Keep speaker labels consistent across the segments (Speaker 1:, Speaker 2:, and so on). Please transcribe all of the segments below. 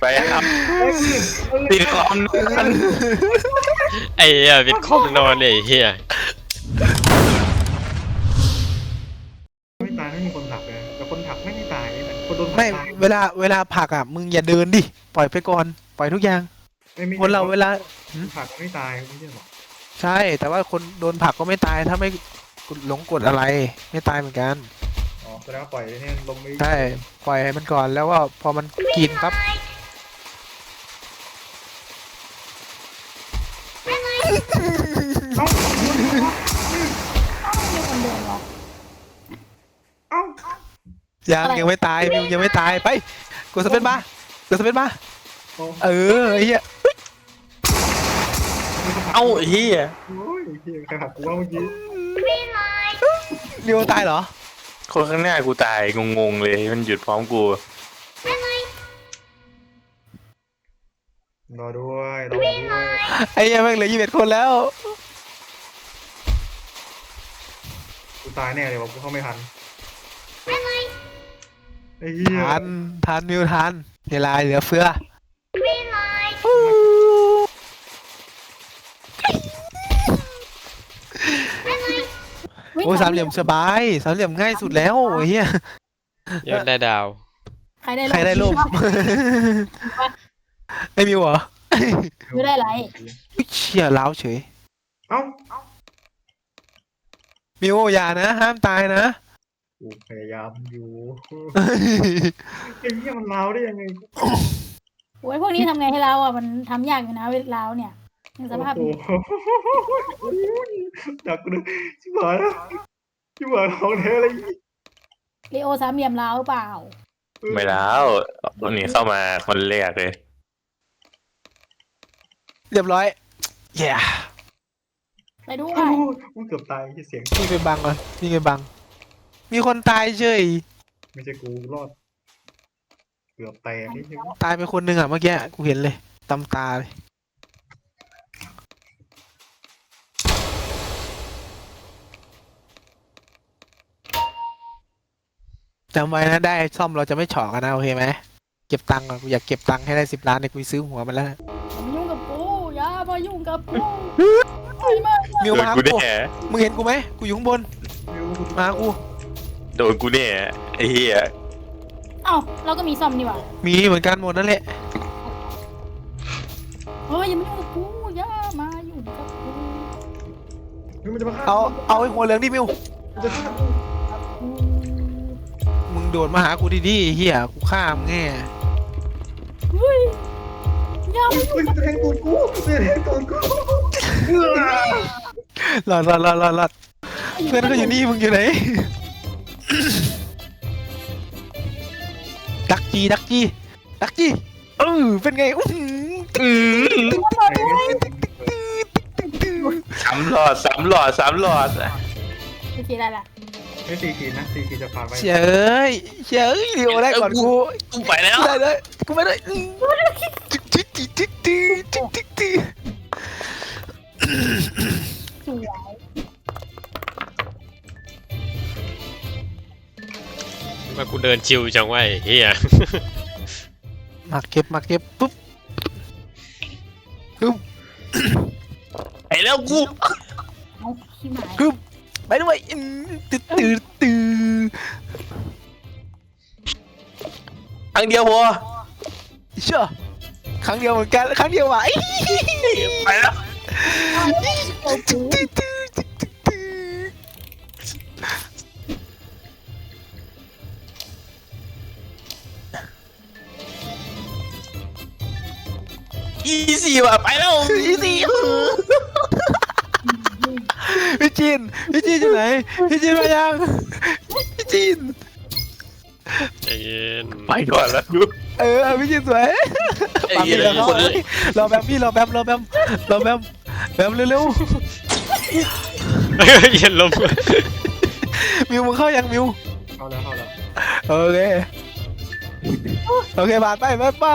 Speaker 1: ครับปิดคอมนอนไอ้เหี้ยปิดคอมนอนไอ้เหี้ย
Speaker 2: ไม่ตายไม่มีคนผลักเลยแต่คนผลักไม่ตายแต่คนโดนผลัก
Speaker 3: ไม่
Speaker 2: ตาย
Speaker 3: เวลาผลักอ่ะมึงอย่าเดินดิปล่อยไปก่อนปล่อยทุกอย่าง
Speaker 2: ไม่
Speaker 3: คนเราเวลา
Speaker 2: คนผลักไม่ตายไม่ใช่หรอ
Speaker 3: ใช่แต่ว่าคนโดนผลักก็ไม่ตายถ้าไม่หลงกฎอะไรไม่ตายเหมือนกัน
Speaker 2: อ๋อแสดงว่าปล่อยเนี่ยลงไม่
Speaker 3: ใช่ปล่อยให้มันก่อนแล้วก็พอมันกินปั๊บ
Speaker 2: เอ้า
Speaker 4: มีคนเดินหรอ
Speaker 2: เอ้า
Speaker 3: ยังไม่ตายมิวยังไม่ตายไปกดสเปซบาร์กดสเปซบาร์เออไอ้เหี้ย
Speaker 1: เอ้าไอ้เหี้ย
Speaker 2: โอ้ยเฮียใครผลักกูว่าเมื่อกี้
Speaker 3: มิวตายเหรอ
Speaker 1: คนข้างหน้ากูตายงงๆเลยมันหยุดพร้อมกู
Speaker 2: รอด้วยรอด้วย
Speaker 3: ไอ้เหี้ยแม่งเหลือ21 คนแล้ว
Speaker 2: กูตายแน่เลยว่ะกูเข้าไม่ทันไอ้เหี้ย
Speaker 3: ทันมิวทันเวลาเหลือเฟือโอ้สามเหลี่ยมสบายสามเหลี่ยมง่ายสุดแล้วไอ้เหี้ย
Speaker 1: ยอดได้ดาว
Speaker 4: ใครได้
Speaker 3: ใครได้ร่ม ไอ้มิวเหรอ
Speaker 4: ไม่ได้ไร
Speaker 3: อุ๊ยเชี่ยล้าวเฉย
Speaker 2: เอ้า
Speaker 3: มิวอย่านะห้ามตายนะ
Speaker 2: กูพยายามอยู่ไอ้เหี้ยมันลาวได้ยังไง
Speaker 4: โอ้ยพวกนี้ทำไงให้เราอ่ะมันทำยากอยู่นะเวลาเนี่ยสภาพ
Speaker 2: โอ้โหดักกูเลยชิบหายแล้วชิบหายของแท้เลย
Speaker 4: ลีโอสามเหลี่ยมลาวเปล่า
Speaker 1: ไม่แล้วคนนี้เข้ามาคนแรกเลย
Speaker 3: เรียบร้อยแย่
Speaker 4: ไปด้ว
Speaker 2: โอ้
Speaker 4: ย
Speaker 2: โหกูเกือบตายที่เสียง
Speaker 3: มีไปบังก่อนมีไปบัง มีคนตายเฉย
Speaker 2: ไม่ใช่กูรอดเกือบแตกนี่ใช่ไหม
Speaker 3: ตายไปคนหนึ่งอ่ะเมื่อกี้กูเห็นเลยตำตาเลยจำไว้นะได้ซ่อมเราจะไม่เฉาะกันนะโอเคไหมเก็บตังค์ก่อนกูอยากเก็บตังค์ให้ได้10 ล้านเนี่ยกูซื้อหัวมันแล้วนะ
Speaker 4: อย่ามายุ่งกับกูอย่ามายุ่งกับกูไปมา
Speaker 3: มิว
Speaker 1: โด
Speaker 3: มาน หา
Speaker 1: กู
Speaker 3: กู
Speaker 1: แน่
Speaker 3: มึงเห็นกูไหมกูอยู่ข้างบน
Speaker 2: มิว
Speaker 3: มาหากู
Speaker 1: โดนกูแน่ไอ้เหี้ย
Speaker 4: เอ้าเราก็มีซ่อมนี่หว่า
Speaker 3: มีเหมือนกันหมดนั่นแหละ
Speaker 4: เฮ้ยอย่ามายุ่งกับกูอย่ามายุ่งกับกู
Speaker 2: มิวมันจะมาฆ่า
Speaker 3: เอาไอ้หัวเหลืองดิมิว
Speaker 2: มันจะฆ่ากู
Speaker 4: กู
Speaker 3: มึงโดดมาหากูดีๆเฮียกูฆ่ามึงแง่
Speaker 4: เฮ้ยอย่ามายุ่ง
Speaker 2: เฮ้ยมันจะแทงตูดกูมันจะแทงตูดกู
Speaker 3: หลอดเพื่อนก็อยู่นี่มึงอยู่ไหน ดักจีเป็นไงอื้อหือ
Speaker 1: สามหลอด
Speaker 4: โอเคได้ละ
Speaker 2: ไม่4 ขีดนะ4 ขีดจะผ่านไป
Speaker 3: เฉยเดี๋ยวได้ก่อนกู
Speaker 1: กูไปแล้ว
Speaker 3: ได้เลยกูไม่ได้
Speaker 4: สวย
Speaker 1: มากูเดินชิวจังวะไอ้เหี้ย
Speaker 3: มาเก็บปุ๊บ
Speaker 1: ไอ้แล้วกู
Speaker 4: เอาขี้หมาย
Speaker 3: ไปด้วยตื่น
Speaker 1: ครั้งเดียวพอ
Speaker 3: เชื่อครั้งเดียวเหมือนกันครั้งเดียวว่ะ
Speaker 1: ไปแล้ว
Speaker 4: โอ้โห
Speaker 1: อีซี่ว่ะไปแล้ว
Speaker 3: อีซี่พี่จีนอยู่ไหนพี่จีนมายังพี่จีน
Speaker 1: ใจเย็นไปก่อนแล้วกู
Speaker 3: พี่จีนสวย
Speaker 1: ไอ้เหี้ยคน
Speaker 3: รอแบมพี่รอแบมแบมเร็ว
Speaker 1: เย็นลม
Speaker 3: ๆมิวมึงเข้ายังมิว
Speaker 2: เข้าแล้ว
Speaker 3: โอเคผ่านไป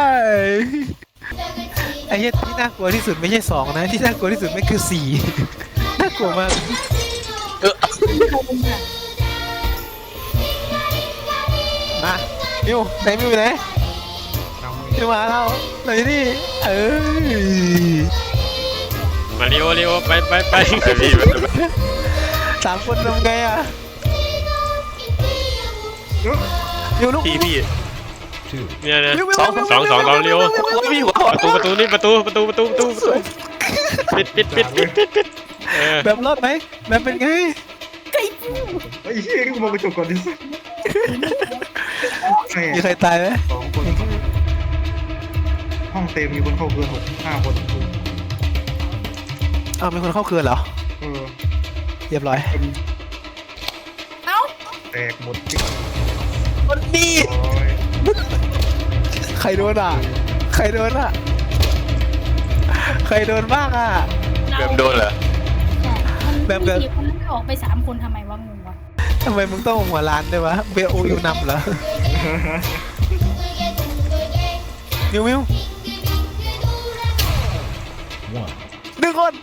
Speaker 3: ไอ้เหี้ยที่น่ากลัวที่สุดไม่ใช่2นะที่น่ากลัวที่สุดไม่คือ4น่ากลัวมากมามิวไหนมิวอยู่ไหน
Speaker 2: นำมือ
Speaker 3: จะมาเราเราอยู่นี่
Speaker 1: มาเร็วเร็วไปไปไป
Speaker 5: พี่
Speaker 3: สามคนทำไงอ่ะอยู่ลูก
Speaker 5: พี่
Speaker 1: เนี่ยนะ
Speaker 3: วิว
Speaker 1: สองเร็ว
Speaker 5: พี่หัว
Speaker 1: ประตูนี่ประตูปิด
Speaker 3: แบบรอดไหมแบบเป็นไง
Speaker 2: ไอ้เหี้ยกูมองกระจกก่อนดิแม่
Speaker 3: มีใครตายไหม
Speaker 2: 2 คนห้องเต็มมีคนเข้าเกิน5 คน
Speaker 3: อ้าวมีคนเข้าเคือนเหรอ
Speaker 2: เออ
Speaker 3: เรียบร้อย
Speaker 4: เอ้า
Speaker 2: แตกหมดจิ๊ก
Speaker 3: คนนี้
Speaker 2: ร้อย
Speaker 3: ใครโดนอ่ะใครโดนอ่ะใครโดนบ้างอ่ะ
Speaker 5: แบบโดนเหรอ
Speaker 4: แบบมันออกไป3 คนทำไมวะงงวะ
Speaker 3: ทำไมมึงต้องหัวล้านด้วยวะเบโออยู่นำเหรอมิวหนึ่งคน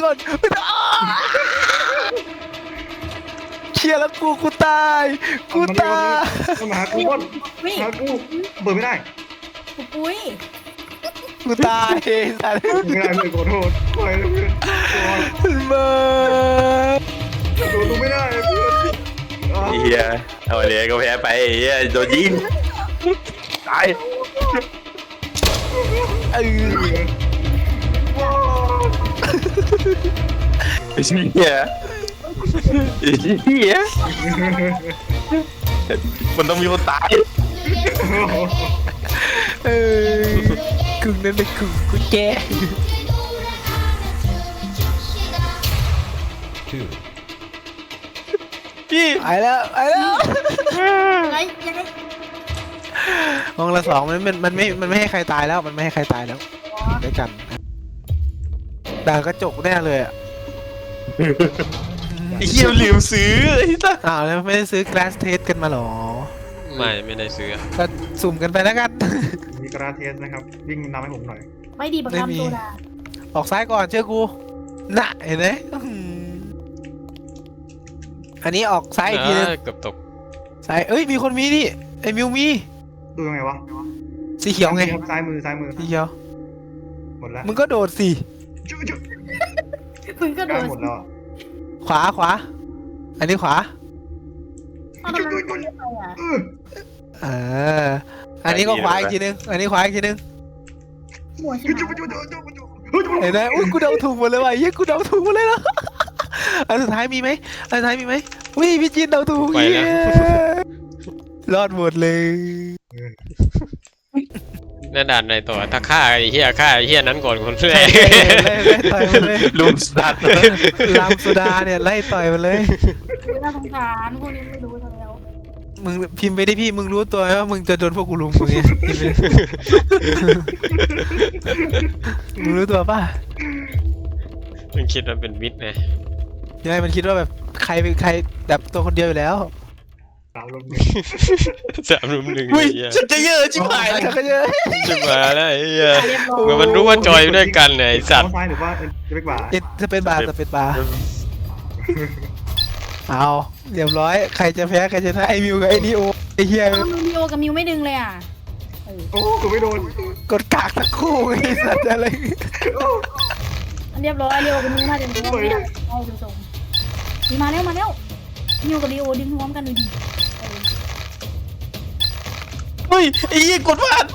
Speaker 3: เชียร์แล้วกูตายตาย
Speaker 2: มันมาหากูบอล
Speaker 4: วิ่ง
Speaker 2: หากูเปิดไม่ได้
Speaker 4: ปุ้ย
Speaker 3: กูตายสัตว์
Speaker 2: ไม่ได้เลยขอโทษไปแล้วเพื่อน
Speaker 3: เบอร์
Speaker 2: โดนกูไม่ได้เพื่อน
Speaker 5: เฮียเอาเดี๋ยวก็แพ้ไปเฮียโดนยิงตาย
Speaker 3: เออ
Speaker 5: ไอ้เฮียมันต้องมีคนตาย
Speaker 3: เออกึ่งนั่นเลยกึ่งกูแก
Speaker 5: พี่
Speaker 3: ไปแล้ว
Speaker 4: อะไรยังไง
Speaker 3: ห้องละ2มันไม่ให้ใครตายแล้วมันไม่ให้ใครตายแล้วด้วยกันด่ากระจกแน่เลยอ่ะ
Speaker 5: ไอ้เฮียลืมซื้อไอ้ตั้ง
Speaker 3: อ้าวแล้วไม่ได้ซื้อ glass test กันมาหรอ
Speaker 1: ไม่ได้ซื้อ
Speaker 3: ก็สุ่มกันไปแล้วกัน
Speaker 2: มีกราเทสนะครับวิ่งนำให้ผมหน่อย
Speaker 4: ไม่ดีบัก
Speaker 3: ไม่มี
Speaker 4: คำตัวดา
Speaker 3: ออกซ้ายก่อนเชื่อกูน่ะเห็นไหมอันนี้ออกซ้ายอีกทีนึง
Speaker 1: เกือบตก
Speaker 3: ซ้ายเอ้ยมีคนมีนี่ไอ้มิวมี
Speaker 2: ดูยังไงวะ
Speaker 3: สีเขียวไง
Speaker 2: ซ้ายมือ
Speaker 3: สีเขียว
Speaker 2: หมดแล้ว
Speaker 3: มึงก็โดดสิ
Speaker 2: จุ๊บ
Speaker 4: มึงก็โด
Speaker 2: ได้
Speaker 4: น
Speaker 2: หมดแล้ว
Speaker 3: ขวาอันนี้ขวา
Speaker 4: เอาทำไมมึงไม่ไปอ่ะ
Speaker 3: เอออันนี้ก็ขวาอีกทีนึงอันนี้ขวาอีกทีนึง
Speaker 4: หัวใช่
Speaker 2: จุ๊บ
Speaker 4: ไหม
Speaker 2: จุ๊บจุ๊บจุ๊บจุ๊บ
Speaker 3: เห็นไหมอุ้ยกูเดาถูกหมดเลยว่ะเฮ้ยกูเดาถูกหมดเลยนะอันสุดท้ายมีไหมอุ้ยพี่จีนเดาถูก
Speaker 1: ไปแล้ว
Speaker 3: เย้รอดหมดเลย
Speaker 1: แน่ด่านในตัวถ้าฆ่าไอ้เหี้ยนั้นก่อนคนแรก
Speaker 3: ไล่ต่อยมันเลย
Speaker 5: ลุมสัตว์
Speaker 3: ลามสุดาเนี่ยไล่ต่อยมันเลย
Speaker 4: น่าสงสารพวกนี้ไม่รู้ซะแล้ว
Speaker 3: มึงพิมพ์ไปดิพี่มึงรู้ตัวไหมว่ามึงจะโดนพวกกูลุมมึงเนี่ยพิมพ์ไปดิมึงรู้ตัวป่ะ
Speaker 1: มันคิดว่าเป็นมิดไง
Speaker 3: ยังไงมันคิดว่าแบบใครเป็นใครแบบตัวคนเดียวอยู่แล้ว
Speaker 2: สาวลง
Speaker 1: 3-1
Speaker 5: อุ้ย
Speaker 1: ไอ้เหี้ย
Speaker 5: ฉันจะเยอะชิบหาย
Speaker 3: ชักก็เยอะ
Speaker 1: จะมาแล้วไอ้เหี้ย
Speaker 4: เรียบร้อย
Speaker 1: เหมือนมันรู้ว่าจอยด้วยกันไอ้สัตว์
Speaker 2: ซ้ายหรือว่าจะไปกว่า
Speaker 3: จะเป็นบาร์เอาเรียบร้อยใครจะแพ้ใครจะชนะไอ้มิวกับไอ้นิโอไอ้เหี้ย
Speaker 4: มิวกับมิวไม่ดึงเลยอ่ะ
Speaker 2: โอ้กูไม่โดน
Speaker 3: กดกากทั้งคู่ไอ้สัตว์อะไร
Speaker 4: เรียบร้อยเรียวกับมิวน่าจะดึงไม่ได้เอาดูทรงมีมาแล้วมิวกับลีโอดึงพร้อมกันดูดิ
Speaker 5: เฮ้ยไอ้เหี้ยกดพลาด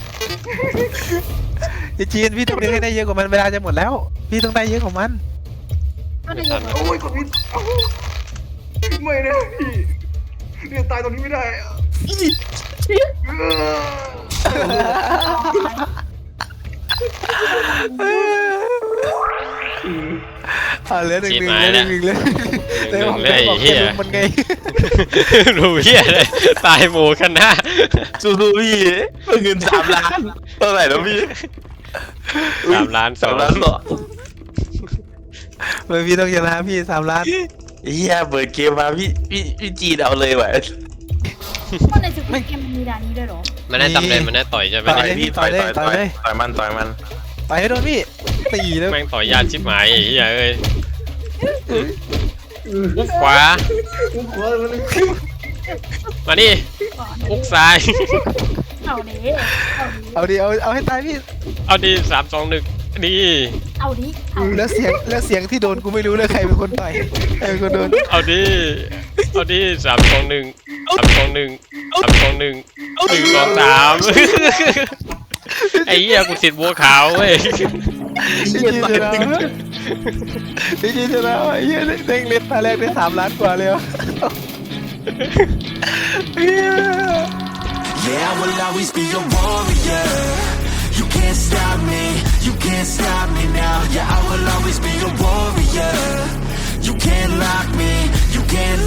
Speaker 3: ไอ้จีนพี่ต้องได้เยอะกว่ามันเวลาจะหมดแล้ว พี่ต้องได้เยอะกว่ามัน
Speaker 4: ก็จะยก
Speaker 2: โอ้ยกดผิดไม่นะพี่เนี่ยตายตรงนี้ไม่ได้
Speaker 3: เหลือหนึ่งเลย
Speaker 1: ไอ้เหี้ย
Speaker 3: มันไง
Speaker 1: รู้เหี้ยเลยตายหมู่คณะ
Speaker 5: สู้ๆพี่เงิน3 ล้านเท่าไหร่แล้วพี่
Speaker 1: 3 ล้าน
Speaker 5: 3 ล้านเหรอ
Speaker 3: พี่ต้องชนะพี่3 ล้าน
Speaker 5: เฮียเปิดเกมมาพี่จีนเอาเลยว่ะ
Speaker 4: ก็ในจุดเกมมีด่านนี้ด้วยหรอ
Speaker 1: มันได้ตำเลยมันได้ต่อยใช่ไหม
Speaker 5: ต่อยพี่ต่อยมัน
Speaker 3: ไปให้โดนพี่ตีแล้ว
Speaker 1: แม่งต่อยยาชิบหายไอ้เหี้ยเอ้ยอุกขวา
Speaker 2: กูขวามัน
Speaker 1: มาดิอุกซ้าย
Speaker 4: เอาดิเอาดิ
Speaker 3: เอาดิเอาให้ตายพี่
Speaker 1: เอาดี3 2 1ดี
Speaker 4: เอาดิเอาดิ
Speaker 3: แล้วเสียงที่โดนกูไม่รู้เลยใครเป็นคนต่อยใครเป็นคนโดน
Speaker 1: เอาดีเอาดี3 2 1 3 2 1 3 2 1 1 2 3ไอ้เหี้ยกูติดบัวขาวเว้ย
Speaker 3: จริงๆจะแล้วจริงๆจะแล้วไอ้เหี้ยเด้งเล่นตาแรกได้3 ล้านกว่าเลย
Speaker 6: Yeah, I will always be a warrior. You can't stop me, you can't stop me now. Yeah, I will always be a warrior. You can't lock me, you can't